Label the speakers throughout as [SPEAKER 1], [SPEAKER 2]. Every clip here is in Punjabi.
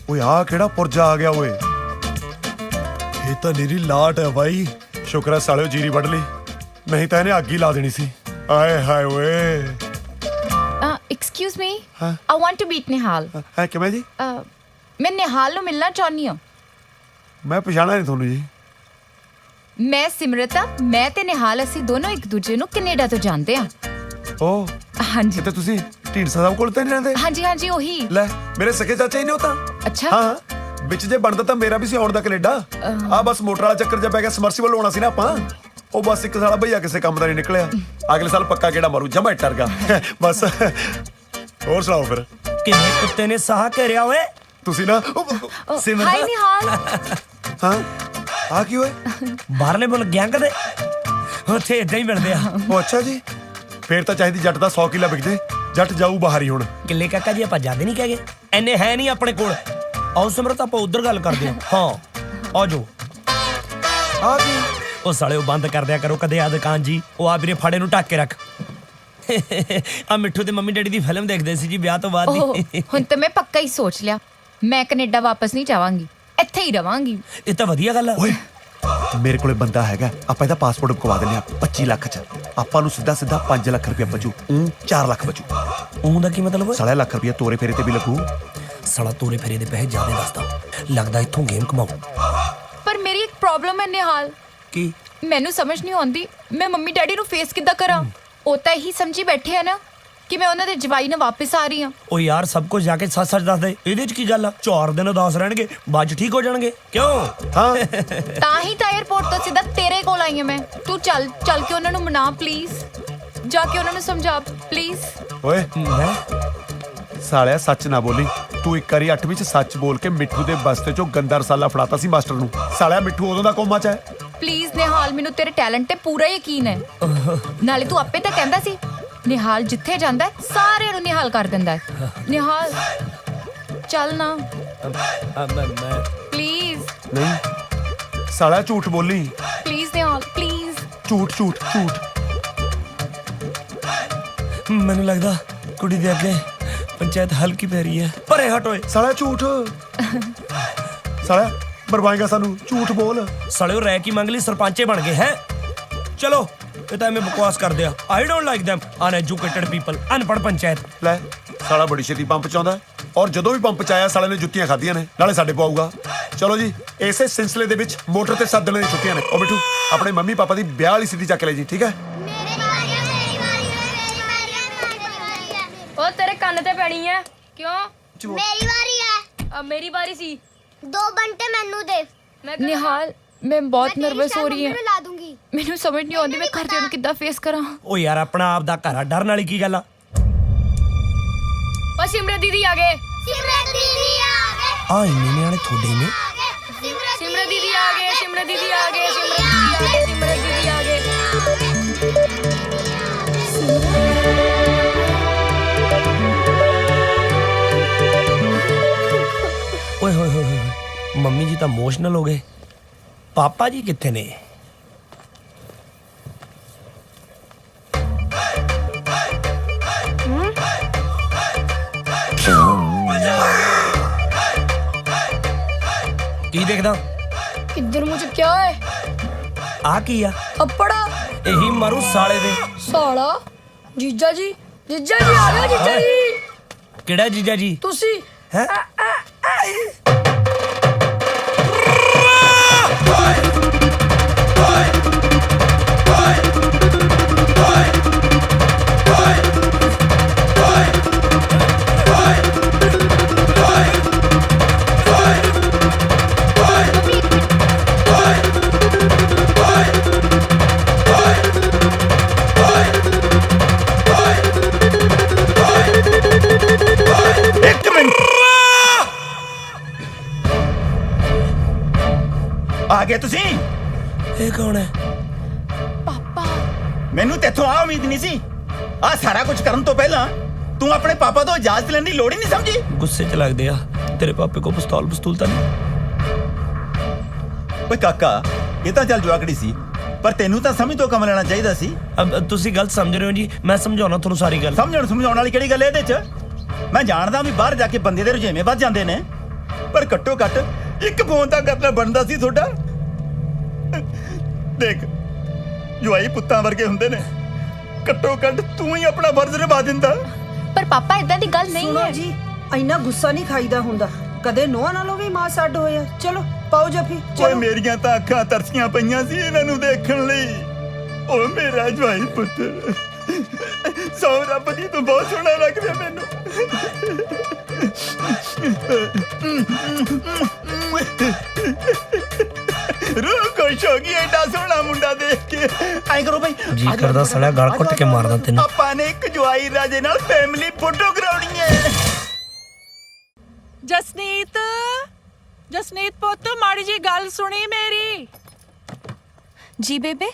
[SPEAKER 1] ਓਏ ਆ ਕਿਹੜਾ ਪੁਰਜਾ ਆ ਗਿਆ ਓਏ। ਇਹ ਤਾਂ ਨੀਰੀ ਲਾਟ ਹੈ ਬਾਈ। ਸ਼ੁਕਰ ਹੈ ਸਾਲਿਓ ਜੀਰੀ ਵੱਢ ਲਈ, ਨਹੀਂ ਤਾਂ ਇਹਨੇ ਅੱਗ ਹੀ ਲਾ ਦੇਣੀ ਸੀ। ਆਏ ਹਾਏ ਓਏ।
[SPEAKER 2] एक्सक्यूज मी,
[SPEAKER 1] हाँ?
[SPEAKER 2] I want to meet निहाल।
[SPEAKER 1] ਹੈ ਕਿਵੇਂ ਜੀ?
[SPEAKER 2] मैं निहाल ਨੂੰ ਮਿਲਣਾ ਚਾਹੁੰਦੀ ਹਾਂ।
[SPEAKER 1] ਮੈਂ ਪਛਾਣਿਆ ਨਹੀਂ ਤੁਹਾਨੂੰ ਜੀ।
[SPEAKER 2] ਮੈਂ ਸਿਮਰਤ ਆ। ਮੈਂ ਤੇ ਨਿਹਾਲ ਅਸੀਂ ਦੋਨੋਂ ਇੱਕ ਦੂਜੇ ਨੂੰ ਕੈਨੇਡਾ ਤੋਂ ਜਾਣਦੇ ਹਾਂ।
[SPEAKER 1] ਓ
[SPEAKER 2] ਹਾਂਜੀ
[SPEAKER 1] ਕਿਤੇ ਤੁਸੀਂ ਢੀਂਡਸਾ ਸਾਹਿਬ ਕੋਲ ਤਾਂ ਨਹੀਂ ਰਹਿੰਦੇ?
[SPEAKER 2] ਹਾਂਜੀ ਹਾਂਜੀ ਉਹੀ।
[SPEAKER 1] ਲੈ ਮੇਰੇ ਸਕੇ ਚਾਚਾ ਹੀ ਨੇ ਉਹ ਤਾਂ।
[SPEAKER 2] ਅੱਛਾ
[SPEAKER 1] ਹਾਂ ਵਿੱਚ ਜੇ ਬਣਦਾ ਤਾਂ ਮੇਰਾ ਵੀ ਸੀ ਆਉਣ ਦਾ ਕੈਨੇਡਾ। ਆ ਬਸ ਮੋਟਰ ਵਾਲਾ ਚੱਕਰ ਜਿਹਾ ਪੈ ਗਿਆ, ਸਮਰਸੀਬਲ ਹੋਣਾ ਸੀ ਨਾ ਆਪਾਂ। ਉਹ ਬਸ ਇੱਕ ਸਾਲਾ ਭਈਆ ਕਿਸੇ ਕੰਮ ਦਾ ਨਹੀਂ ਨਿਕਲਿਆ। ਅਗਲੇ ਸਾਲ ਪੱਕਾ ਕਿਹੜਾ ਮਾਰੂ ਜਮਾ ਟਰ ਗਿਆ ਬਸ। ਹੋਰ ਸੁਣਾਓ ਫਿਰ।
[SPEAKER 3] ਕਿਵੇਂ ਕੁੱਤੇ ਨੇ ਸਾਹ ਘੇਰਿਆ ਓਏ।
[SPEAKER 1] ਤੁਸੀਂ ਨਾ
[SPEAKER 3] ਸਿਮਰਤ।
[SPEAKER 2] ਹਾਈ ਨਿਹਾਲ।
[SPEAKER 1] ਹਾਂ ਆ ਕੀ ਹੋਏ?
[SPEAKER 3] ਬਾਹਰਲੇ ਮੁਲਕ ਗਿਆ ਕਦੇ? ਉੱਥੇ ਇਦਾਂ ਹੀ ਮਿਲਦੇ ਆ।
[SPEAKER 1] ਉਹ ਅੱਛਾ ਜੀ, ਫੇਰ ਤਾਂ ਚਾਹੀਦੀ ਜੱਟ ਦਾ 100 ਕਿੱਲਾ ਵਿਕਦੇ। ਜੱਟ ਜਾਊ ਬਾਹਰ ਹੀ ਹੁਣ।
[SPEAKER 3] ਕਿੱਲੇ ਕਾਕਾ ਜੀ ਆਪਾਂ ਜਾਂਦੇ ਨਹੀਂ ਕਹਗੇ, ਐਨੇ ਹੈ ਨਹੀਂ ਆਪਣੇ ਕੋਲ। ਆਓ ਸਿਮਰਤ ਆਪਾਂ ਉਧਰ ਗੱਲ ਕਰਦੇ ਹਾਂ। ਹਾਂ ਆ ਜਾਓ।
[SPEAKER 1] ਆ ਕੀ?
[SPEAKER 3] ਉਹ ਸਾਲੇ ਉਹ ਬੰਦ ਕਰ ਦਿਆ ਕਰੋ ਕਦੇ ਆ ਦੁਕਾਨ ਜੀ। ਉਹ ਆ ਵੀਰੇ ਫਾੜੇ ਨੂੰ ਢੱਕ ਕੇ ਰੱਖ। ਆ ਮਿੱਠੂ ਤੇ ਮੰਮੀ ਡੈਡੀ ਦੀ ਫਿਲਮ ਦੇਖਦੇ ਸੀ ਜੀ ਵਿਆਹ ਤੋਂ ਬਾਅਦ ਦੀ।
[SPEAKER 2] ਹੁਣ ਤਾਂ ਮੈਂ ਪੱਕਾ ਹੀ ਸੋਚ ਲਿਆ, ਮੈਂ ਕੈਨੇਡਾ ਵਾਪਸ ਨਹੀਂ ਜਾਵਾਂਗੀ, ਇੱਥੇ ਹੀ ਰਵਾਂਗੀ।
[SPEAKER 3] ਇਹ ਤਾਂ ਵਧੀਆ ਗੱਲ ਆ।
[SPEAKER 1] ਓਏ ਮੇਰੇ ਕੋਲੇ ਬੰਦਾ ਹੈਗਾ, ਆਪਾਂ ਇਹਦਾ ਪਾਸਪੋਰਟ ਬਕਵਾ ਦਿੰਦੇ ਆ 25 ਲੱਖ ਚ। ਆਪਾਂ ਨੂੰ ਸਿੱਧਾ 5 ਲੱਖ ਰੁਪਇਆ ਬਚੂ। 4 ਲੱਖ ਬਚੂ।
[SPEAKER 3] ਉਹਦਾ ਕੀ ਮਤਲਬ?
[SPEAKER 1] ਸਾਲਾ ਲੱਖ ਰੁਪਇਆ ਤੋਰੇ ਫੇਰੇ ਤੇ ਵੀ ਲੱਗੂ।
[SPEAKER 3] ਸਾਲਾ ਤੋਰੇ ਫੇਰੇ ਦੇ ਪੈਸੇ ਜ਼ਿਆਦਾ ਦੱਸਦਾ ਲੱਗਦਾ, ਇੱਥੋਂ ਗੇਮ ਕਮਾਉ।
[SPEAKER 2] ਪਰ ਮੇਰੀ ਇੱਕ ਪ੍ਰੋਬਲਮ ਹੈ ਨਿਹਾਲ।
[SPEAKER 3] ਕੀ?
[SPEAKER 2] ਮੈਨੂੰ ਸਮਝ ਨਹੀਂ ਆਉਂਦੀ ਮੈਂ ਮੰਮੀ ਡੈਡੀ ਨੂੰ ਫੇਸ ਕਿੱਦਾਂ ਕਰਾਂ। ਉਹ ਤਾਂ ਇਹੀ ਸਮਝੀ ਬੈਠੇ ਆ ਨਾ ਕਿ ਮੈਂ ਉਹਨਾਂ ਦੇ ਜਵਾਈ ਨਾਲ ਵਾਪਸ ਆ ਰਹੀ ਹਾਂ।
[SPEAKER 3] ਉਹ ਯਾਰ ਸਭ ਕੁਝ ਜਾ ਕੇ ਸੱਚ ਦੱਸ ਦੇ। ਇਹਦੇ ਚ ਕੀ ਗੱਲ ਆ? 4 ਦਿਨ ਉਦਾਸ ਰਹਿਣਗੇ, ਬਾਅਦ ਚ ਠੀਕ ਹੋ ਜਾਣਗੇ। ਕਿਉਂ?
[SPEAKER 1] ਹਾਂ
[SPEAKER 2] ਤਾਂ ਹੀ ਤਾਂ 에ਅਰਪੋਰਟ ਤੋਂ ਸਿੱਧਾ ਤੇਰੇ ਕੋਲ ਆਈ ਹਾਂ ਮੈਂ। ਤੂੰ ਚੱਲ ਕੇ ਉਹਨਾਂ ਨੂੰ ਮਨਾ ਪਲੀਜ਼, ਜਾ ਕੇ ਉਹਨਾਂ ਨੂੰ ਸਮਝਾ ਪਲੀਜ਼।
[SPEAKER 1] ਓਏ
[SPEAKER 3] ਮੈਂ
[SPEAKER 1] ਸਾਲਿਆ ਸੱਚ ਨਾ ਬੋਲੀ। ਤੂੰ ਇੱਕ ਵਾਰੀ 8ਵੀਂ ਚ ਸੱਚ ਬੋਲ ਕੇ ਮਿੱਠੂ ਦੇ ਬਸਤੇ ਚੋਂ ਗੰਦਾ ਰਸਾਲਾ ਫੜਾਤਾ ਸੀ ਮਾਸਟਰ ਨੂੰ। ਸਾਲਿਆ ਮਿੱਠੂ ਉਦੋਂ ਦਾ ਕੋਮਾ ਚ ਹੈ।
[SPEAKER 2] ਪਲੀਜ਼ ਨਿਹਾਲ, ਮੈਨੂੰ ਤੇਰੇ ਟੈਲੈਂਟ ਤੇ ਪੂਰਾ ਯਕੀਨ ਹੈ। ਨਾਲੇ ਤੂੰ ਆਪੇ ਤਾਂ ਕਹਿੰਦਾ ਸੀ ਨਿਹਾਲ ਜਿੱਥੇ ਜਾਂਦਾ ਹੈ ਸਾਰਿਆਂ ਨੂੰ ਨਿਹਾਲ ਕਰ ਦਿੰਦਾ ਹੈ। ਨਿਹਾਲ ਚੱਲ ਨਾ ਪਲੀਜ਼।
[SPEAKER 1] ਨਹੀਂ ਸਾਲਿਆ ਝੂਠ ਬੋਲੀ।
[SPEAKER 2] Please Nihal please.
[SPEAKER 1] ਝੂਠ ਝੂਠ ਝੂਠ।
[SPEAKER 3] ਮੈਨੂੰ ਲੱਗਦਾ ਕੁੜੀ ਦੇ ਅੱਗੇ ਪੰਚਾਇਤ ਹਲਕੀ ਪੈ ਰਹੀ ਹੈ। ਪਰੇ ਹਟ ਓਏ।
[SPEAKER 1] ਸਾਲਿਆ ਝੂਠ। ਸਾਲਿਆ ਬਰਵਾਏਗਾ ਸਾਨੂੰ। ਝੂਠ ਬੋਲ।
[SPEAKER 3] ਸਾਲੇ ਉਹ ਰਹਿ ਕੀ ਮੰਗ ਲਈ, ਸਰਪੰਚੇ ਬਣ ਗਏ ਹੈ। ਚਲੋ ਇਹ ਤਾਂ ਐਵੇਂ ਬਕਵਾਸ ਕਰਦੇ ਆ। I don't like them uneducated people. ਅਨਪੜ੍ਹ ਪੰਚਾਇਤ।
[SPEAKER 1] ਲੈ ਸਾਲਾ ਬੜੀ ਛੇਤੀ ਪੰਪ ਚ ਆਉਂਦਾ, ਔਰ ਜਦੋਂ ਵੀ ਪੰਪ ਚ ਆਇਆ ਸਾਲੇ ਨੇ ਜੁੱਤੀਆਂ ਖਾਧੀਆਂ ਨੇ, ਨਾਲੇ ਸਾਡੇ ਪਾਊਗਾ। ਚਲੋ ਜੀ ਇਸੇ ਸਿਲਸਿਲੇ ਦੇ ਵਿੱਚ ਮੋਟਰ ਤੇ ਸੱਦਣ ਦੀਆਂ ਛੁੱਟੀਆਂ ਨੇ। ਉਹ ਬਿੱਟੂ ਆਪਣੇ ਮੰਮੀ ਪਾਪਾ ਦੀ ਵਿਆਹ ਵਾਲੀ ਸਿੱਧੀ ਚੱਕ ਲੈ ਜੀ, ਠੀਕ ਹੈ?
[SPEAKER 4] ਉਹ ਤੇਰੇ ਕੰਨ ਤੇ ਪੈਣੀ ਹੈ। ਕਿਉਂ?
[SPEAKER 5] ਮੇਰੀ ਵਾਰੀ ਹੈ।
[SPEAKER 4] ਮੇਰੀ ਵਾਰੀ ਸੀ।
[SPEAKER 5] 2 ਬੰਟੇ ਮੈਨੂੰ ਦੇ।
[SPEAKER 2] ਨਿਹਾਲ ਮੈਂ ਬਹੁਤ ਨਰਵਸ ਹੋ ਰਹੀ ਹਾਂ।
[SPEAKER 5] ਮੈਂ ਲਾ ਦੂੰਗੀ।
[SPEAKER 2] ਮੈਨੂੰ ਸਮਝ ਨਹੀਂ ਆਉਂਦੀ ਮੈਂ ਘਰਦਿਆਂ ਨੂੰ ਕਿੱਦਾਂ ਫੇਸ ਕਰਾਂ।
[SPEAKER 3] ਉਹ ਯਾਰ ਆਪਣਾ ਆਪ ਦਾ ਘਰ ਆ, ਡਰਨ ਵਾਲੀ ਕੀ ਗੱਲ ਆ?
[SPEAKER 4] ਉਹ ਸਿਮਰਤ ਦੀਦੀ ਆ ਗਏ।
[SPEAKER 5] ਸਿਮਰਤ ਦੀਦੀ ਆ ਗਏ।
[SPEAKER 3] ਆ ਇੰਨੇ ਨਿਆਣੇ ਤੁਹਾਡੇ ਨੇ?
[SPEAKER 4] ਸਿਮਰਤ ਦੀਦੀ ਆ ਗਏ। ਸਿਮਰਤ ਦੀਦੀ ਆ ਗਏ। ਸਿਮਰਤ ਦੀਦੀ ਆ ਗਏ।
[SPEAKER 3] ਓਏ ਹੋਏ ਹੋਏ ਹੋਏ, ਮੰਮੀ ਜੀ ਤਾਂ ਇਮੋਸ਼ਨਲ ਹੋ ਗਏ। ਪਾਪਾ ਜੀ ਕਿੱਥੇ ਨੇ? ਕੀ ਦੇਖਦਾ?
[SPEAKER 4] ਕਿੱਧਰ ਮੂੰਹ ਚੁੱਕਿਆ ਓਏ?
[SPEAKER 3] ਆ ਕੀ ਆ?
[SPEAKER 4] ਅੱਪੜਾ
[SPEAKER 3] ਇਹੀ ਮਾਰੂ ਸਾਲੇ ਦੇ।
[SPEAKER 4] ਸਾਲਾ। ਜੀਜਾ ਜੀ ਆ ਗਿਆ। ਜੀਜਾ ਜੀ
[SPEAKER 3] ਕਿਹੜਾ ਜੀਜਾ ਜੀ?
[SPEAKER 4] ਤੁਸੀਂ
[SPEAKER 3] ਹੈ?
[SPEAKER 6] ਆ ਗਏ ਤੁਸੀਂ?
[SPEAKER 3] ਇਹ ਕੌਣ ਹੈ?
[SPEAKER 2] ਪਾਪਾ
[SPEAKER 6] ਮੈਨੂੰ ਤੇਥੋਂ ਆ ਉਮੀਦ ਨਹੀਂ ਸੀ। ਆ ਸਾਰਾ ਕੁਝ ਕਰਨ ਤੋਂ ਪਹਿਲਾਂ ਤੂੰ ਆਪਣੇ ਪਾਪਾ ਤੋਂ ਇਜਾਜ਼ਤ ਲੈਣ ਦੀ ਲੋੜ ਹੀ ਨਹੀਂ ਸਮਝੀ।
[SPEAKER 3] ਗੁੱਸੇ 'ਚ ਲੱਗਦੇ ਆ। ਤੇਰੇ ਪਾਪੇ ਕੋ ਪਿਸਤੌਲ ਤਾਂ ਨਹੀਂ?
[SPEAKER 6] ਓਏ ਕਾਕਾ ਇਹ ਤਾਂ ਚੱਲ ਜਵਾਕੜੀ ਸੀ, ਪਰ ਤੈਨੂੰ ਤਾਂ ਸਮਝ ਤੋਂ ਕੰਮ ਲੈਣਾ ਚਾਹੀਦਾ ਸੀ।
[SPEAKER 3] ਅਬ ਤੁਸੀਂ ਗਲਤ ਸਮਝ ਰਹੇ ਹੋ ਜੀ। ਮੈਂ ਸਮਝਾਉਣਾ ਤੁਹਾਨੂੰ ਸਾਰੀ ਗੱਲ।
[SPEAKER 6] ਸਮਝਾਉਣ ਵਾਲੀ ਕਿਹੜੀ ਗੱਲ ਹੈ ਇਹਦੇ 'ਚ? ਮੈਂ ਜਾਣਦਾ ਵੀ ਬਾਹਰ ਜਾ ਕੇ ਬੰਦੇ ਦੇ ਰੁਝੇਵੇਂ ਵੱਧ ਜਾਂਦੇ ਨੇ। ਪਰ ਘੱਟੋ ਘੱਟ ਇੱਕ ਫੋਨ ਤਾਂ ਕਰਨਾ ਬਣਦਾ ਸੀ ਤੁਹਾਡਾ। ਦੇਖ ਜਵਾਈ ਪੁੱਤਾਂ ਵਰਗੇ ਹੁੰਦੇ ਨੇ, ਘੱਟੋ ਘੱਟ ਤੂੰ ਹੀ ਆਪਣਾ ਫਰਜ਼ ਨਿਭਾ ਦਿੰਦਾ।
[SPEAKER 2] ਪਰ ਪਾਪਾ ਇਦਾਂ ਦੀ ਗੱਲ ਨਹੀਂ
[SPEAKER 7] ਸੁਣੋ
[SPEAKER 2] ਹੈ।
[SPEAKER 7] ਜੀ, ਇੰਨਾ ਗੁੱਸਾ ਨਹੀਂ ਖਾਈਦਾ ਹੁੰਦਾ। ਕਦੇ ਨੋਹਾਂ ਨਾਲੋਂ ਵੀ ਮਾਂ ਛੱਡ ਹੋਇਆ। ਚਲੋ ਪਾਓ ਜੱਫੀ,
[SPEAKER 6] ਓਏ
[SPEAKER 7] ਚਲੋ।
[SPEAKER 6] ਮੇਰੀਆਂ ਤਾਂ ਅੱਖਾਂ ਤਰਸੀਆਂ ਪਈਆਂ ਸੀ ਇਹਨਾਂ ਨੂੰ ਦੇਖਣ ਲਈ। ਓ ਮੇਰਾ ਜਵਾਈ ਪੁੱਤ, ਸੌ ਰੱਬ ਦੀ ਤੂੰ ਬਹੁਤ ਸੋਹਣਾ ਲੱਗਦਾ ਮੈਨੂੰ। ਰੂਹ ਖੁਸ਼ ਹੋ ਗਈ ਐਡਾ ਸੋਹਣਾ ਮੁੰਡਾ ਦੇਖ ਕੇ। ਐਂ ਕਰੋ ਭਾਈ,
[SPEAKER 3] ਜੀ ਕਰਦਾ ਸੜਿਆ ਗਲ ਘੁੱਟ ਕੇ ਮਾਰਦਾ ਤੈਨੂੰ।
[SPEAKER 6] ਆਪਾਂ ਨੇ ਇੱਕ ਜਵਾਈ ਰਾਜੇ ਨਾਲ ਫੈਮਿਲੀ ਫੋਟੋ ਕਰਾਉਣੀ ਹੈ।
[SPEAKER 8] ਜਸਨੀਤ, ਜਸਨੀਤ ਪੁੱਤ ਮਾੜੀ ਜੀ ਗੱਲ ਸੁਣੀ ਮੇਰੀ।
[SPEAKER 2] ਜੀ ਬੇਬੇ।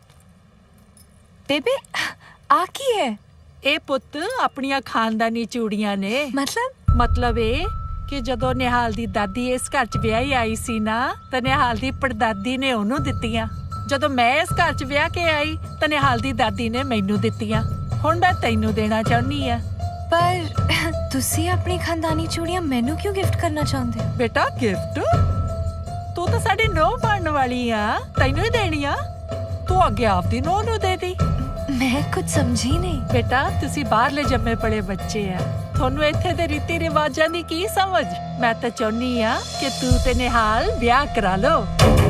[SPEAKER 2] ਬੇਬੇ ਆ ਕੀ ਹੈ?
[SPEAKER 8] ਇਹ ਪੁੱਤ ਆਪਣੀਆਂ ਖਾਨਦਾਨੀ ਚੂੜੀਆਂ ਨੇ।
[SPEAKER 2] ਮਤਲਬ
[SPEAKER 8] ਇਹ ਕਿ ਜਦੋਂ ਨਿਹਾਲ ਦੀ ਦਾਦੀ ਇਸ ਘਰ 'ਚ ਵਿਆਹੀ ਆਈ ਸੀ ਨਾ, ਤਾਂ ਨਿਹਾਲ ਦੀ ਪੜਦਾਦੀ ਨੇ ਉਹਨੂੰ ਦਿੱਤੀਆਂ। ਜਦੋਂ ਮੈਂ ਇਸ ਘਰ 'ਚ ਵਿਆਹ ਕੇ ਆਈ ਤਾਂ ਨਿਹਾਲ ਦੀ ਦਾਦੀ ਨੇ ਮੈਨੂੰ ਦਿੱਤੀਆਂ। ਹੁਣ ਮੈਂ ਤੈਨੂੰ ਦੇਣਾ ਚਾਹੁੰਦੀ ਆ।
[SPEAKER 2] ਪਰ ਤੁਸੀਂ ਆਪਣੀ ਖਾਨਦਾਨੀ ਚੂੜੀਆਂ ਮੈਨੂੰ ਕਿਉਂ ਗਿਫਟ ਕਰਨਾ ਚਾਹੁੰਦੇ ਹੋ?
[SPEAKER 8] ਬੇਟਾ ਗਿਫਟ? ਤੂੰ ਤਾਂ ਸਾਡੀ ਨੂੰਹ ਬਣਨ ਵਾਲੀ ਆ, ਤੈਨੂੰ ਹੀ ਦੇਣੀ ਆ। ਤੂੰ ਅੱਗੇ ਆਪਦੀ ਨੂੰਹ ਨੂੰ ਦੇ ਦੀ।
[SPEAKER 2] ਮੈਂ ਕੁਝ ਸਮਝੀ ਨਹੀਂ।
[SPEAKER 8] ਬੇਟਾ ਤੁਸੀਂ ਬਾਹਰਲੇ ਜੰਮੇ ਪਲੇ ਬੱਚੇ ਆ, ਤੁਹਾਨੂੰ ਇੱਥੇ ਦੇ ਰੀਤੀ ਰਿਵਾਜਾਂ ਦੀ ਕੀ ਸਮਝ। ਮੈਂ ਤਾਂ ਚਾਹੁੰਦੀ ਆ ਕਿ ਤੂੰ ਤੇ ਨਿਹਾਲ ਵਿਆਹ ਕਰਾ ਲਓ।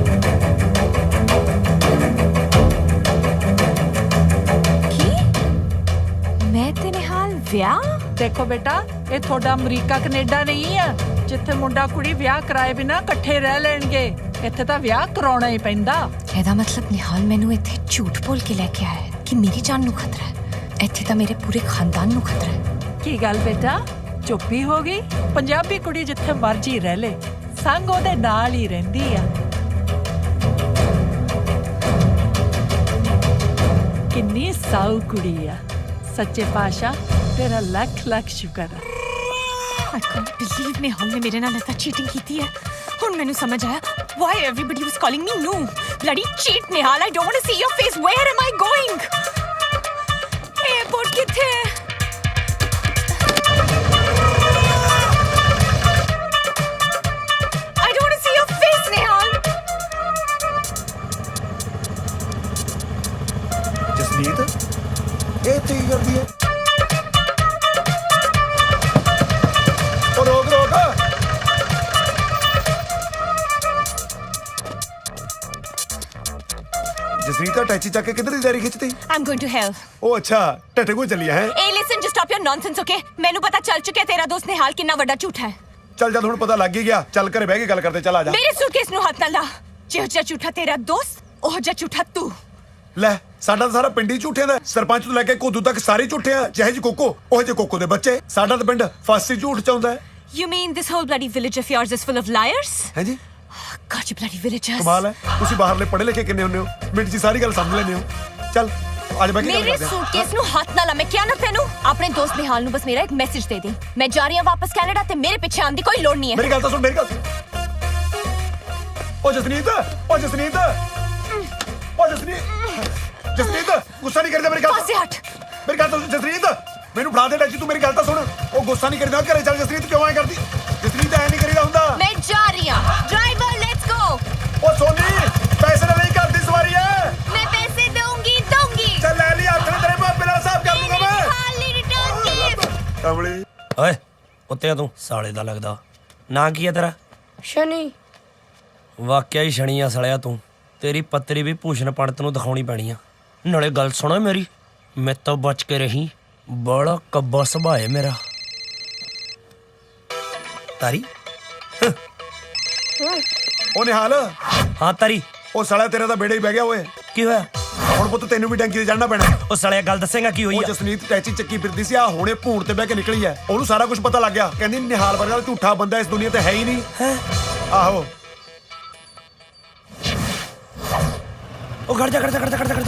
[SPEAKER 2] ਕੀ? ਮੈਂ ਤੇ ਨਿਹਾਲ ਵਿਆਹ?
[SPEAKER 8] ਦੇਖੋ ਬੇਟਾ, ਇਹ ਤੁਹਾਡਾ ਅਮਰੀਕਾ ਕੈਨੇਡਾ ਨਹੀਂ ਆ ਜਿੱਥੇ ਮੁੰਡਾ ਕੁੜੀ ਵਿਆਹ ਕਰਾਏ ਬਿਨਾ ਇਕੱਠੇ ਰਹਿ ਲੈਣਗੇ। ਇੱਥੇ ਤਾਂ ਵਿਆਹ ਕਰਾਉਣਾ ਹੀ ਪੈਂਦਾ।
[SPEAKER 2] ਇਹਦਾ ਮਤਲਬ ਨਿਹਾਲ ਮੈਨੂੰ ਇੱਥੇ ਝੂਠ ਬੋਲ ਕੇ ਲੈ ਕੇ ਆਇਆ ਹੈ ਕਿ ਮੇਰੀ ਜਾਨ ਨੂੰ ਖਤਰਾ ਹੈ। ਇੱਥੇ ਤਾਂ ਮੇਰੇ ਪੂਰੇ ਖਾਨਦਾਨ ਨੂੰ ਖਤਰਾ ਹੈ।
[SPEAKER 8] ਕੀ ਗੱਲ ਬੇਟਾ, ਚੁੱਪ ਹੀ ਹੋ ਗਈ? ਪੰਜਾਬੀ ਕੁੜੀ ਜਿੱਥੇ ਮਰਜੀ ਰਹਿ ਲੇ, ਸੰਗ ਉਹਦੇ ਨਾਲ ਹੀ ਰਹਿੰਦੀ ਆ। ਕਿੰਨੀ ਸਾਊ ਕੁੜੀ ਆ। ਸੱਚੇ ਪਾਤਸ਼ਾਹ ਤੇਰਾ ਲੱਖ ਲੱਖ ਸ਼ੁਕਰ ਆ।
[SPEAKER 2] I can't believe ਨਿਹਾਲ ਨੇ ਮੇਰੇ ਨਾਲ ਐਸਾ ਚੀਟਿੰਗ ਕੀਤੀ ਹੈ। ਹੁਣ ਮੈਨੂੰ ਸਮਝ ਆਇਆ why everybody was calling me noob. Bloody cheat Nihal, I don't want to see your face. Where am I going? Airport ਕਿੱਥੇ ਹੈ? I don't want to see your face ਨਿਹਾਲ.
[SPEAKER 1] ਜਸਨੀਤ ਇਹ ਤੇ ਕਰਦੀ ਹੈ। ਉਹ ਰੋਕ ਰੋਕ। ਜਸਨੀਤ ਅਟੈਚੀ ਚੱਕ ਕੇ ਕਿੱਧਰ ਦੀ ਦਾਰੀ ਖਿੱਚਦੀ?
[SPEAKER 2] I'm going to hell.
[SPEAKER 1] ਉਹ ਅੱਛਾ ਟੱਟੇ ਕੋ ਚੱਲੀ ਹੈ।
[SPEAKER 2] Hey listen, just stop your nonsense, okay? ਮੈਨੂੰ ਪਤਾ ਚੱਲ ਚੁੱਕਿਆ ਤੇਰਾ ਦੋਸਤ ਨਿਹਾਲ ਕਿੰਨਾ ਵੱਡਾ ਝੂਠ ਹੈ।
[SPEAKER 1] ਚੱਲ ਜਦ ਹੁਣ ਪਤਾ ਲੱਗ ਹੀ ਗਿਆ, ਚੱਲ ਘਰੇ ਬਹਿ ਕੇ ਗੱਲ ਕਰਦੇ। ਚੱਲ ਆ ਜਾ।
[SPEAKER 2] ਮੇਰੇ ਸੂਟਕੇਸ ਨੂੰ ਹੱਥ ਨਾ ਲਾ। ਜਿਹੋ ਜਿਹਾ ਝੂਠਾ ਤੇਰਾ ਦੋਸਤ, ਉਹ ਜਿਹਾ ਝੂਠਾ ਤੂੰ।
[SPEAKER 1] ਲੈ ਸਾਡਾ ਤਾਂ ਸਾਰਾ ਪਿੰਡ ਹੀ ਝੂਠਿਆਂ ਦਾ। ਸਰਪੰਚ ਤੋਂ ਲੈ ਕੇ ਕੋਦੂ ਤੱਕ ਸਾਰੇ ਝੂਠੇ ਆ। ਜਿਹੇ ਜੀ ਕੋਕੋ ਉਹ ਜਿਹੇ ਕੋਕੋ ਦੇ ਬੱਚੇ। ਸਾਡਾ ਤਾਂ ਪਿੰਡ ਫਾਸੀ ਝੂਠ ਚਾਹੁੰਦਾ ਹੈ।
[SPEAKER 2] You mean this whole bloody village of yours is full of liars?
[SPEAKER 1] ਹੈ ਜੀ
[SPEAKER 2] God, you bloody villagers.
[SPEAKER 1] ਕਮਾਲ ਹੈ। ਤੁਸੀਂ ਬਾਹਰਲੇ ਪੜ੍ਹੇ ਲਿਖੇ ਕਿੰਨੇ ਹੁੰਦੇ ਹੋ, ਮਿੰਟ 'ਚ ਸਾਰੀ ਗੱਲ ਸਮਝ ਲੈਂਦੇ ਹੋ। ਚੱਲ ਅੱਜ ਬਹਿ ਕੇ ਗੱਲ
[SPEAKER 2] ਮੇਰੇ
[SPEAKER 1] ਕਰਦੇ ਹਾਂ।
[SPEAKER 2] ਸੂਟਕੇਸ ਨੂੰ ਹੱਥ ਨਾ ਲਾ। ਮੈਂ ਕਿਹਾ ਨਾ ਤੈਨੂੰ, ਆਪਣੇ ਦੋਸਤ ਨਿਹਾਲ ਨੂੰ ਬਸ ਮੇਰਾ ਇੱਕ ਮੈਸੇਜ ਦੇ ਦੇ। ਮੈਂ ਜਾ ਰਹੀ ਹਾਂ ਵਾਪਸ ਕੈਨੇਡਾ ਤੇ ਮੇਰੇ ਪਿੱਛੇ ਆਉਣ ਦੀ ਕੋਈ ਲੋੜ ਨਹੀਂ ਹੈ।
[SPEAKER 1] ਮੇਰੀ ਗੱਲ ਤਾਂ ਸੁਣ, ਮੇਰੀ ਗੱਲ। ਉਹ ਜਸਨੀਤ, ਉਹ ਜਸਨੀਤ, ਉਹ ਜਸਨੀਤ, ਜਸਨੀਤ ਗੁੱਸਾ ਨਹੀਂ ਕਰਦਾ। ਮੇਰੀ ਗੱਲ
[SPEAKER 2] ਪਾਸੇ ਹਟ।
[SPEAKER 1] ਮੇਰੀ ਗੱਲ ਤਾਂ ਸੁਣ ਜਸਨੀਤ, ਮੈਨੂੰ ਫੜਾ ਦੇ ਟੈਚੀ। ਤੂੰ ਮੇਰੀ ਗੱਲ ਤਾਂ ਸੁਣ। ਉਹ ਗੁੱਸਾ ਨਹੀਂ ਕਰਦਾ। ਘਰੇ ਚੱਲ ਜਸਨੀਤ। ਕਿਉਂ ਐ ਕਰਦੀ? ਜਸਨੀਤ ਐ ਨਹੀਂ ਕਰੀਦਾ ਹੁੰਦਾ।
[SPEAKER 2] ਮੈਂ ਜਾ ਰਹੀ ਹਾਂ। Driver let's go.
[SPEAKER 1] ਉਹ ਸੋਨੀ ਪੈਸੇ ਨਾਲ ਨਹੀਂ ਕਰਦੀ ਸਵਾਰੀ ਐ।
[SPEAKER 2] ਮੈਂ ਪੈਸੇ ਦਊਂਗੀ।
[SPEAKER 1] ਚੱਲ ਲੈ ਲਈ ਹੱਥ ਨੇ ਤੇਰੇ ਭਾਪੇ ਨਾਲ ਹਿਸਾਬ ਕਰ ਲੂੰਗਾ ਮੈਂ।
[SPEAKER 2] ਨਿਹਾਲ ਨੇ ਰਿਟਰਨ ਕੀ?
[SPEAKER 1] ਕਮਲੀ
[SPEAKER 3] ਓਏ ਉੱਤੇ ਆ ਤੂੰ ਸਾਲੇ ਦਾ ਲੱਗਦਾ। ਨਾਂ ਕੀ ਹੈ ਤੇਰਾ?
[SPEAKER 4] ਸ਼ਨੀ।
[SPEAKER 3] ਵਾਕਿਆ ਹੀ ਸ਼ਣੀ ਆ ਸਲਿਆ ਤੂੰ। ਤੇਰੀ ਪੱਤਰੀ ਵੀ ਭੂਸ਼ਣ ਪੰਡਤ ਨੂੰ ਦਿਖਾਉਣੀ ਪੈਣੀ ਆ। ਨਾਲੇ ਗੱਲ ਸੁਣੋ ਮੇਰੀ, ਮੇਰੇ ਤੋਂ ਬਚ ਕੇ ਰਹੀ। ਬੜਾ ਕੱਬਾ ਸੁਭਾਅ ਹੈ ਮੇਰਾ। ਤਾਰੀ
[SPEAKER 1] ਉਹ ਨਿਹਾਲ,
[SPEAKER 3] ਹਾਂ ਤਾਰੀ।
[SPEAKER 1] ਉਹ ਸਾਲਾ ਤੇਰਾ ਤਾਂ ਬੇੜਾ ਹੀ ਬਹਿ ਗਿਆ ਓਏ।
[SPEAKER 3] ਕੀ ਹੋਇਆ?
[SPEAKER 1] ਹੁਣ ਪੁੱਤ ਤੈਨੂੰ ਵੀ ਟੈਂਕੀ ਤੇ ਚੜਨਾ ਪੈਣਾ।
[SPEAKER 3] ਉਹ ਸਾਲਿਆ ਗੱਲ ਦੱਸੇਗਾ ਕੀ ਹੋਈ
[SPEAKER 1] ਉਹ
[SPEAKER 3] ਆ?
[SPEAKER 1] ਜਸਨੀਤ ਟੈਚੀ ਚੱਕੀ ਫਿਰਦੀ ਸੀ। ਆ ਹੁਣੇ ਭੂਣ ਤੇ ਬਹਿ ਕੇ ਨਿਕਲੀ ਐ। ਉਹਨੂੰ ਸਾਰਾ ਕੁਝ ਪਤਾ ਲੱਗ ਗਿਆ। ਕਹਿੰਦੀ ਨਿਹਾਲ ਵਰਗਾ ਝੂਠਾ ਬੰਦਾ ਇਸ ਦੁਨੀਆ ਤੇ ਹੈ ਹੀ ਨਹੀਂ। ਆਹੋ
[SPEAKER 3] ਉਹ ਖੜ ਜਾ।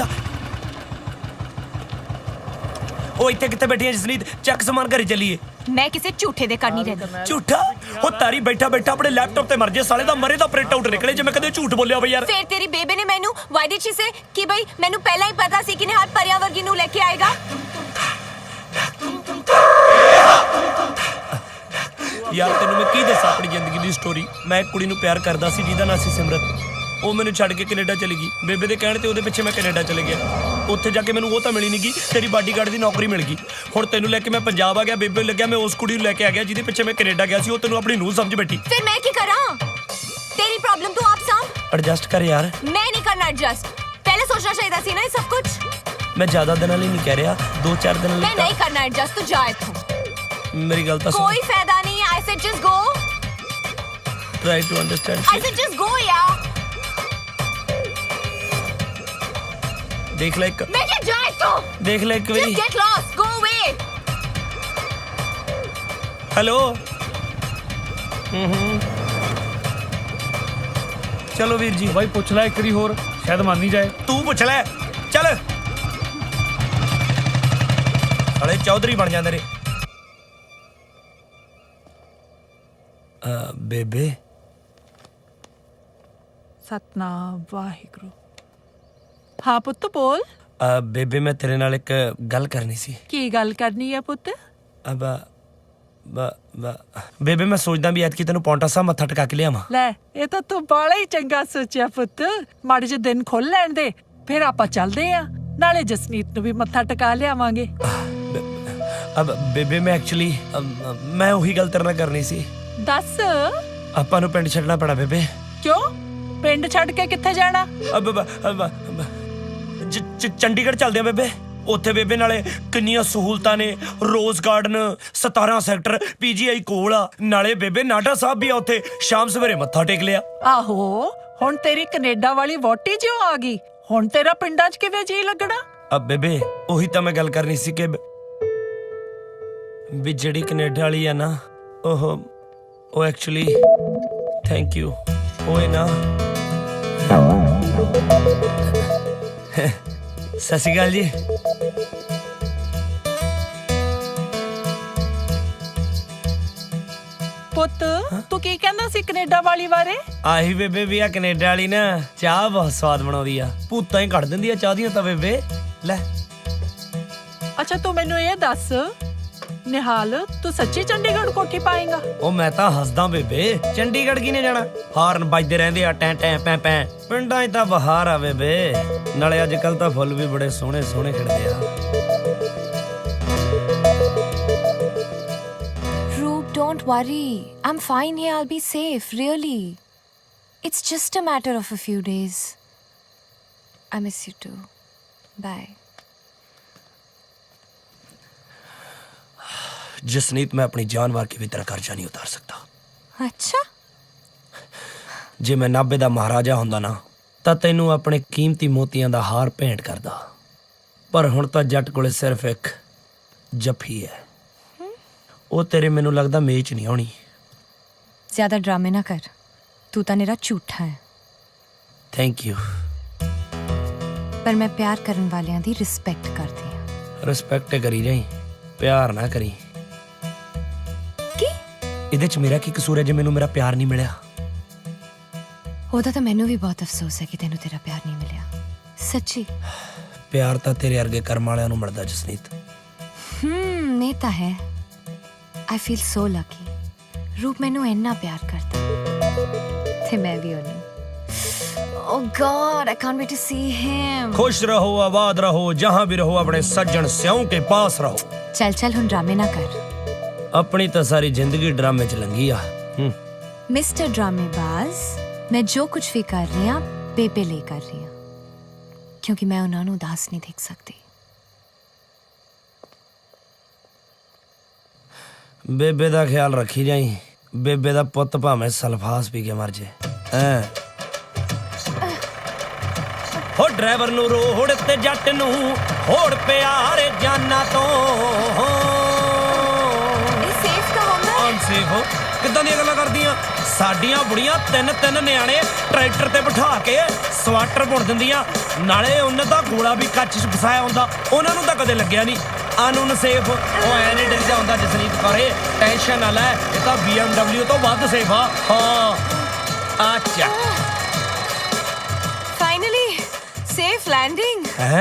[SPEAKER 3] ਉਹ ਇੱਥੇ ਕਿੱਥੇ ਬੈਠੀ ਹੈ ਜਸਨੀਤ? ਚੱਕ ਸਮਾਨ ਘਰੇ ਚੱਲੀਏ।
[SPEAKER 2] ਮੈਂ ਕਿਸੇ ਝੂਠੇ ਦੇ ਘਰ ਨਹੀਂ ਰਹਿੰਦੀ।
[SPEAKER 3] ਝੂਠਾ? ਉਹ ਤਾਰੀ ਬੈਠਾ ਆਪਣੇ ਲੈਪਟਾਪ ਤੇ ਮਰ ਜੇ ਸਾਲੇ ਦਾ। ਮਰੇ ਦਾ ਪ੍ਰਿੰਟ ਆਊਟ ਨਿਕਲੇ ਜੇ ਮੈਂ ਕਦੇ ਝੂਠ ਬੋਲਿਆ ਬਈ ਯਾਰ।
[SPEAKER 2] ਫਿਰ ਤੇਰੀ ਬੇਬੇ ਨੇ ਮੈਨੂੰ ਵਾਈ ਡਿਡ ਸ਼ੀ ਸੇ ਕਿ ਬਈ ਮੈਨੂੰ ਪਹਿਲਾਂ ਹੀ ਪਤਾ ਸੀ ਕਿ ਨਿਹਾਲ ਪਰਿਆ ਵਰਗੀ ਨੂੰ ਲੈ ਕੇ ਆਏਗਾ।
[SPEAKER 3] ਯਾਰ ਤੈਨੂੰ ਮੈਂ ਕੀ ਦੱਸਾਂ ਆਪਣੀ ਜ਼ਿੰਦਗੀ ਦੀ ਸਟੋਰੀ। ਮੈਂ ਇੱਕ ਕੁੜੀ ਨੂੰ ਪਿਆਰ ਕਰਦਾ ਸੀ ਜਿਹਦਾ ਨਾਂ ਸੀ ਸਿਮਰਤ। ਉਹ ਮੈਨੂੰ ਛੱਡ ਕੇ ਕੈਨੇਡਾ ਚਲੀ ਗਈ। ਬੇਬੇ ਦੇ ਕਹਿਣ ਤੇ ਉਹਦੇ ਪਿੱਛੇ ਮੈਂ ਕੈਨੇਡਾ ਚਲੇ ਗਿਆ। ਉੱਥੇ ਜਾ ਕੇ ਮੈਨੂੰ ਉਹ ਤਾਂ ਮਿਲੀ ਨਹੀਂ ਗਈ, ਤੇਰੀ ਬਾਡੀਗਾਰਡ ਦੀ ਨੌਕਰੀ ਮਿਲ ਗਈ। ਹੁਣ ਤੈਨੂੰ ਲੈ ਕੇ ਮੈਂ ਪੰਜਾਬ ਆ ਗਿਆ। ਬੇਬੇ ਨੂੰ ਲੱਗਿਆ ਮੈਂ ਉਸ ਕੁੜੀ ਨੂੰ ਲੈ ਕੇ ਆ ਗਿਆ ਜਿਹਦੇ ਪਿੱਛੇ ਮੈਂ ਕੈਨੇਡਾ ਗਿਆ ਸੀ। ਉਹ ਤੈਨੂੰ ਆਪਣੀ ਨੂੰਹ ਸਮਝ ਬੈਠੀ।
[SPEAKER 2] ਫਿਰ ਮੈਂ ਕੀ ਕਰਾਂ? ਤੇਰੀ ਪ੍ਰੋਬਲਮ ਤੂੰ ਆਪ ਸਾਂਭ।
[SPEAKER 3] ਐਡਜਸਟ ਕਰ ਯਾਰ।
[SPEAKER 2] ਮੈਂ ਨਹੀਂ ਕਰਨਾ ਐਡਜਸਟ। ਪਹਿਲੇ ਸੋਚਣਾ ਚਾਹੀਦਾ ਸੀ ਨਾ ਇਹ ਸਭ ਕੁਝ।
[SPEAKER 3] ਮੈਂ ਜ਼ਿਆਦਾ ਦਿਨਾਂ ਲਈ ਨਹੀਂ ਕਹਿ ਰਿਹਾ, 2-4 ਦਿਨਾਂ
[SPEAKER 2] ਮੈਂ
[SPEAKER 3] ਲਈ।
[SPEAKER 2] ਨਹੀਂ ਕਰਨਾ ਐਡਜਸਟ। ਤੂੰ ਜਾ ਇੱਥੋਂ।
[SPEAKER 3] ਮੇਰੀ ਗੱਲ ਤਾਂ ਸੁਣ।
[SPEAKER 2] ਕੋਈ ਫਾਇਦਾ ਨਹੀਂ। I said just go.
[SPEAKER 3] Try to understand.
[SPEAKER 2] I said just go यार।
[SPEAKER 3] ਦੇਖ ਲੈ ਇੱਕ।
[SPEAKER 2] मैं क्या जा ਇੱਥੋਂ।
[SPEAKER 3] ਦੇਖ ਲੈ ਇੱਕ ਵਾਰੀ।
[SPEAKER 2] Just get lost. Go away.
[SPEAKER 3] Hello. ਚਲੋ ਵੀਰ ਜੀ।
[SPEAKER 9] ਬਾਈ ਪੁੱਛ ਲੈ ਇੱਕ ਵਾਰੀ ਹੋਰ, ਸ਼ਾਇਦ ਮੰਨ ਹੀ ਜਾਏ।
[SPEAKER 3] ਤੂੰ ਪੁੱਛ ਲੈ। ਚੱਲ ਸਾਲੇ ਚੌਧਰੀ ਬਣ ਜਾਂਦੇ ਨੇ। ਬੇਬੇ।
[SPEAKER 8] ਸਤਨਾਮ ਵਾਹਿਗੁਰੂ। ਹਾਂ ਪੁੱਤ ਬੋਲ।
[SPEAKER 3] ਬੇਬੇ ਮੈਂ ਤੇਰੇ ਨਾਲ ਇੱਕ ਗੱਲ ਕਰਨੀ ਸੀ।
[SPEAKER 8] ਕੀ ਗੱਲ ਕਰਨੀ ਹੈ ਪੁੱਤ?
[SPEAKER 3] ਬੇਬੇ ਮੈਂ ਸੋਚਦਾ ਵੀ ਐਤਕੀ ਤੈਨੂੰ ਪੌਂਟਾ ਸਾਹਿਬ ਮੱਥਾ ਟਿਕਾ ਕੇ ਲਿਆਵਾਂ।
[SPEAKER 8] ਲੈ ਇਹ ਤਾਂ ਤੂੰ ਬਾਲਾ ਹੀ ਚੰਗਾ ਸੋਚਿਆ ਪੁੱਤ। ਮਾੜੇ ਜਿਹੇ ਦਿਨ ਖੁੱਲ ਲੈਣ ਦੇ, ਫਿਰ ਆਪਾਂ ਚੱਲਦੇ ਆ। ਨਾਲੇ ਜਸਨੀਤ ਨੂੰ ਵੀ ਮੱਥਾ ਟਿਕਾ ਲਿਆਵਾਂਗੇ।
[SPEAKER 3] ਬੇਬੇ ਮੈਂ ਐਕਚੁਅਲੀ ਮੈਂ ਉਹੀ ਗੱਲ ਤੇਰੇ ਨਾਲ ਕਰਨੀ ਸੀ।
[SPEAKER 8] ਦੱਸ।
[SPEAKER 3] ਆਪਾਂ ਨੂੰ ਪਿੰਡ ਛੱਡਣਾ ਪੈਣਾ ਬੇਬੇ।
[SPEAKER 8] ਕਿਉਂ? ਪਿੰਡ ਛੱਡ ਕੇ ਕਿੱਥੇ ਜਾਣਾ?
[SPEAKER 3] ਚੰਡੀਗੜ੍ਹ ਚੱਲਦੇ ਆ ਬੇਬੇ। ਉੱਥੇ ਬੇਬੇ ਨਾਲੇ ਕਿੰਨੀਆਂ ਸਹੂਲਤਾਂ ਨੇ। ਰੋਜ਼ ਗਾਰਡਨ 17 ਸੈਕਟਰ PGI ਕੋਲ ਆ। ਨਾਲੇ ਬੇਬੇ ਨਾਡਾ ਸਾਹਿਬ ਵੀ ਆ ਉੱਥੇ। ਸ਼ਾਮ ਸਵੇਰੇ ਮੱਥਾ ਟੇਕ ਲਿਆ।
[SPEAKER 8] ਆਹੋ ਹੁਣ ਤੇਰੀ ਕੈਨੇਡਾ ਵਾਲੀ ਵੋਟੀ ਜਿਉਂ ਆ ਗਈ। ਹੁਣ ਤੇਰਾ ਪਿੰਡਾਂ 'ਚ ਕਿਵੇਂ ਜੀ ਲੱਗਣਾ?
[SPEAKER 3] ਬੇਬੇ ਉਹੀ ਤਾਂ ਮੈਂ ਗੱਲ ਕਰਨੀ ਸੀ ਕਿ ਵੀ ਜਿਹੜੀ ਕੈਨੇਡਾ ਵਾਲੀ ਆ ਨਾ ਉਹ ਐਕਚੁਅਲੀ ਥੈਂਕ ਯੂ ਉਹ ਹੈ ਨਾ। ਸਤਿ ਸ਼੍ਰੀ ਅਕਾਲ ਜੀ।
[SPEAKER 8] ਪੁੱਤ ਤੂੰ ਕੀ ਕਹਿੰਦਾ ਸੀ ਕੈਨੇਡਾ ਵਾਲੀ ਬਾਰੇ?
[SPEAKER 3] ਆਹੀ ਬੇਬੇ ਵੀ ਆ ਕੈਨੇਡਾ ਵਾਲੀ ਨਾ ਚਾਹ ਬਹੁਤ ਸਵਾਦ ਬਣਾਉਂਦੀ ਆ। ਭੂਤਾਂ ਹੀ ਕੱਢ ਦਿੰਦੀ ਆ ਚਾਹ ਦੀਆਂ ਤਾਂ ਬੇਬੇ। ਲੈ
[SPEAKER 8] ਅੱਛਾ ਤੂੰ ਮੈਨੂੰ ਇਹ ਦੱਸ ਨਿਹਾਲ, ਤੂੰ ਸੱਚੀ ਚੰਡੀਗੜ੍ਹ ਕੋਠੀ ਪਾਏਗਾ?
[SPEAKER 3] ਉਹ ਮੈਂ ਤਾਂ ਹੱਸਦਾ ਬੇਬੇ। ਚੰਡੀਗੜ੍ਹ ਕਿਨੇ ਜਾਣਾ? ਹਾਰਨ ਵੱਜਦੇ ਰਹਿੰਦੇ ਆ ਟੈਂ ਟੈਂ ਪੈ ਪੈ। ਪਿੰਡਾਂ 'ਚ ਤਾਂ ਬਹਾਰ ਆ ਬੇਬੇ। ਨਾਲੇ ਅੱਜ ਕੱਲ ਤਾਂ ਫੁੱਲ ਵੀ ਬੜੇ ਸੋਹਣੇ ਸੋਹਣੇ ਖਿੜਦੇ ਆ।
[SPEAKER 2] Roop, don't worry. I'm fine here. I'll be safe, really. It's just a matter of a few days. I miss you too. Bye.
[SPEAKER 3] Jasneet ਮੈਂ ਆਪਣੀ ਜਾਨ ਵਾਰ ਕੇ ਵੀ ਤੇਰਾ ਕਰਜ਼ਾ ਨਹੀਂ ਉਤਾਰ ਸਕਦਾ।
[SPEAKER 2] ਅੱਛਾ।
[SPEAKER 3] ਜੇ ਮੈਂ ਨਾਭੇ ਦਾ ਮਹਾਰਾਜਾ ਹੁੰਦਾ ਨਾ ਤਾਂ ਤੈਨੂੰ ਆਪਣੇ ਕੀਮਤੀ ਮੋਤੀਆਂ ਦਾ ਹਾਰ ਭੇਂਟ ਕਰਦਾ। ਪਰ ਹੁਣ ਤਾਂ ਜੱਟ ਕੋਲੇ ਸਿਰਫ ਇੱਕ ਜੱਫੀ ਹੈ। ਉਹ ਤੇਰੇ ਮੈਨੂੰ ਲੱਗਦਾ ਮੇਚ ਨਹੀਂ ਆਉਣੀ।
[SPEAKER 2] ਜ਼ਿਆਦਾ ਡਰਾਮੇ ਨਾ ਕਰ। ਤੂੰ ਤਾਂ ਮੇਰਾ ਝੂਠਾ ਹੈ।
[SPEAKER 3] Thank you.
[SPEAKER 2] ਪਰ ਮੈਂ ਪਿਆਰ ਕਰਨ ਵਾਲਿਆਂ ਦੀ ਰਿਸਪੈਕਟ ਕਰਦੀ ਹਾਂ।
[SPEAKER 3] ਰਿਸਪੈਕਟ ਕਰੀ ਜਾਈ, ਪਿਆਰ ਨਾ ਕਰੀ।
[SPEAKER 2] ਕੀ?
[SPEAKER 3] ਇਹਦੇ 'ਚ ਮੇਰਾ ਕੀ ਕਸੂਰ ਹੈ ਜੇ ਮੈਨੂੰ ਮੇਰਾ ਪਿਆਰ ਨਹੀਂ ਮਿਲਿਆ?
[SPEAKER 2] ਉਹਦਾ ਤਾਂ ਮੈਨੂੰ ਵੀ ਬਹੁਤ ਅਫਸੋਸ ਹੈ ਕਿ ਤੈਨੂੰ ਤੇਰਾ ਪਿਆਰ ਨਹੀਂ ਮਿਲਿਆ। ਸੱਚੀ।
[SPEAKER 3] ਪਿਆਰ ਤਾਂ ਤੇਰੇ ਵਰਗੇ ਕਰਮ ਵਾਲਿਆਂ ਨੂੰ ਮਿਲਦਾ ਜਸਨੀਤ।
[SPEAKER 2] ਇਹ ਤਾਂ ਹੈ। I feel so lucky. Roop ਮੈਨੂੰ ਇੰਨਾ ਪਿਆਰ ਕਰਦਾ ਤੇ ਮੈਂ ਵੀ ਉਹਨੂੰ। Oh God, I can't wait to see him.
[SPEAKER 3] खुश रहो, आबाद रहो, जहां भी रहो, अपने सज्जन स्याओं के पास रहो।
[SPEAKER 2] चल हुन ड्रामे ना कर।
[SPEAKER 3] अपनी तो सारी जिंदगी ड्रामे च लंघी आ।
[SPEAKER 2] मिस्टर ड्रामेबाज, मैं जो कुछ भी कर रही हूँ बेबे ले कर रही हूँ, क्योंकि मैं उन्होंने उदास नहीं देख सकती।
[SPEAKER 3] बेबे दा ख्याल रखी जाई। बेबे दा पुत्त भावें सल्फास पी के मर जे। हो ड्राइवर नू रोड ते जट नू होड़ प्यारे जाना तो
[SPEAKER 2] सेफ का होगा।
[SPEAKER 3] अनसेफ हो किदां दी गल्लां करदियां? साडियां बुढ़ियां ਤਿੰਨ ਨਿਆਣੇ ट्रैक्टर ते बिठा के ਸਵਾਟਰ बुन दिंदियां। नाले उन्हें तां गोला भी कच्च च फसाया हुंदा, उन्हां नूं तां कदे लगਿਆ नहीं। अनसेफ ਉਹ ਐ ਨਹੀਂ ਡਰ ਜਾਂਦਾ ਜਸਨੀਤ ਕੌਰੇ। ਟੈਨਸ਼ਨ ਨਾ ਲੈ, ਇਹ ਤਾਂ BMW ਤੋਂ ਵੱਧ ਸੇਫ ਆ। ਹਾਂ ਅੱਛਾ
[SPEAKER 2] Finally, safe landing.
[SPEAKER 3] ਹੈ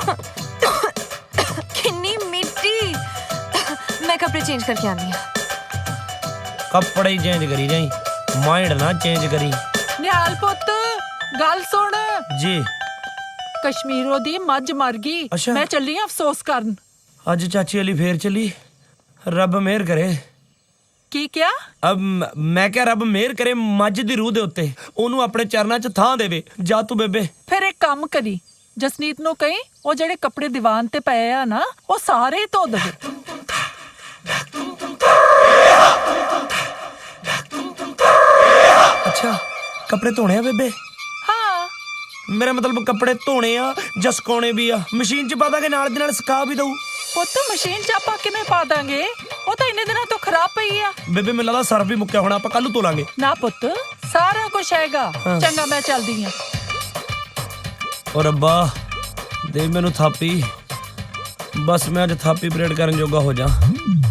[SPEAKER 2] किन्नी मिट्टी। मैं कपड़े चेंज करके आनी हूँ।
[SPEAKER 3] ਕੱਪੜੇ ਹੀ ਚੇਂਜ ਕਰੀ ਜਾਈ, ਮਾਈਂਡ ਨਾ ਚੇਂਜ ਕਰੀ।
[SPEAKER 8] ਨਿਹਾਲ ਪੁੱਤ ਗੱਲ ਸੁਣ,
[SPEAKER 3] ਜੀ
[SPEAKER 8] ਕਸ਼ਮੀਰੋਂ ਦੀ ਮੱਝ ਮਰ ਗਈ।
[SPEAKER 3] ਅੱਛਾ।
[SPEAKER 8] ਮੈਂ ਚੱਲੀ ਆਂ ਅਫਸੋਸ ਕਰਨ।
[SPEAKER 3] ਅੱਜ ਚਾਚੀ ਅਲੀ ਫੇਰ ਚੱਲੀ, ਰੱਬ ਮਿਹਰ ਕਰੇ।
[SPEAKER 8] ਕੀ ਕਿਹਾ?
[SPEAKER 3] ਮੈਂ ਕਿਹਾ ਰੱਬ ਮਿਹਰ ਕਰੇ ਮੱਝ ਦੀ ਰੂਹ ਦੇ ਉੱਤੇ, ਉਹਨੂੰ ਆਪਣੇ ਚਰਨਾਂ 'ਚ ਥਾਂ ਦੇਵੇ। ਜਾ ਤੂੰ ਬੇਬੇ।
[SPEAKER 8] ਫਿਰ ਇੱਕ ਕੰਮ ਕਰੀ, ਜਸਨੀਤ ਨੂੰ ਕਹੀਂ ਉਹ ਜਿਹੜੇ ਕੱਪੜੇ ਦੀਵਾਨ ਤੇ ਪਏ ਆ ਨਾ, ਉਹ ਸਾਰੇ ਧੋ ਦੇਵੇ।
[SPEAKER 3] ਅੱਛਾ, ਕੱਪੜੇ ਧੋਣੇ ਆ ਬੇਬੇ?
[SPEAKER 8] ਹਾਂ।
[SPEAKER 3] ਮੇਰਾ ਮਤਲਬ ਕੱਪੜੇ ਧੋਣੇ ਆ ਜਾਂ ਸੁਕਾਉਣੇ ਵੀ ਆ? ਮਸ਼ੀਨ 'ਚ ਪਾ ਦਾਂਗੇ, ਨਾਲ ਦੇ ਨਾਲ ਸੁਕਾ ਵੀ ਦਊ।
[SPEAKER 8] ਪੁੱਤ ਮਸ਼ੀਨ 'ਚ ਆਪਾਂ ਕਿਵੇਂ ਪਾ ਦਾਂਗੇ? ਉਹ ਤਾਂ ਇੰਨੇ ਦਿਨਾਂ ਤੋਂ ਖਰਾਬ ਪਈ ਆ।
[SPEAKER 3] ਬੇਬੇ ਮੈਨੂੰ ਲੱਗਦਾ ਸਰਫ ਵੀ ਮੁੱਕਿਆ ਹੋਣਾ, ਆਪਾਂ ਕੱਲ ਨੂੰ ਧੋ ਲਾਂਗੇ।
[SPEAKER 8] ਨਾ ਪੁੱਤ, ਸਾਰਾ ਕੁਝ ਹੈਗਾ। ਚੰਗਾ ਮੈਂ ਚੱਲਦੀ ਆਂ।
[SPEAKER 3] ਓ ਰੱਬਾ ਦੇ ਮੈਨੂੰ ਥਾਪੀ, ਬਸ ਮੈਂ ਅੱਜ ਥਾਪੀ ਪਰੇਡ ਕਰਨ ਜੋਗਾ ਹੋ ਜਾ।